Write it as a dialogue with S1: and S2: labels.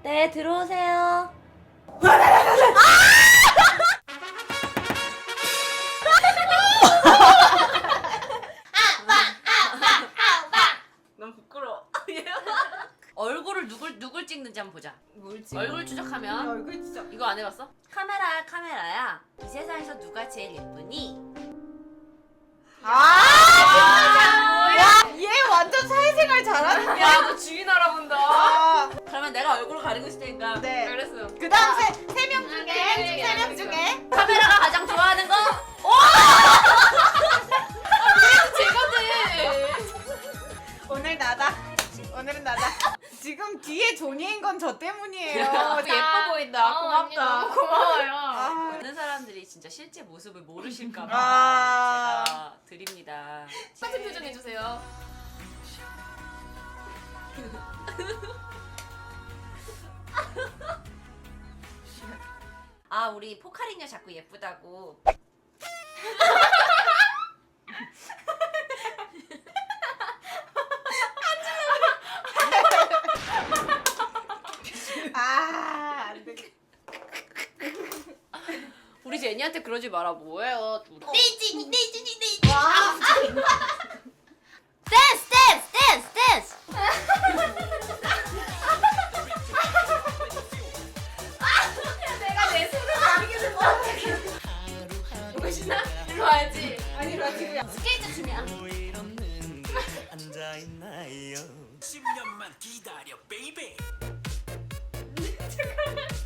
S1: 네, 들어오세요.
S2: 너무 부끄러워. 얼굴을 누굴 찍는지 한번 보자.
S3: 뭘 찍어?
S2: 얼굴 추적하면
S3: 얼굴 진짜.
S2: 이거 안 해봤어? 카메라야. 이 세상에서 누가 제일 예쁘니?
S3: 얘 완전 사회생활 잘하는
S2: 야, 너 주인 알아본다.
S3: 아,
S2: 그러면 내가 얼굴을 가리고 있을 테니까.
S3: 네.
S2: 알았어.
S3: 그다음 세 명 중에
S2: 네,
S3: 세 명 중에
S2: 카메라가 가장 좋아하는 거? 제거든.
S3: 오늘 나다. 오늘은 나다. 지금 뒤에 존이인 건 저 때문이에요.
S2: 예뻐 보인다. 고맙다.
S3: 고마워요.
S2: 많은 사람들이 진짜 실제 모습을 모르실까봐
S3: 아.
S2: 제가 드립니다.
S4: 똑같은 표정 해주세요.
S2: 아, 우리 포카리녀 자꾸 예쁘다고.
S3: 안 돼.
S2: 우리 제니한테 그러지 마라. 뭐예요?
S1: 네이진이.
S3: 와.
S1: 댄스.
S4: 내가 내 손을 가리게 된 거. 보시나? 일로 와야지.
S3: 아니 나 지금
S1: 스케이트 춤이야.
S5: 10년만 기다려 베이베.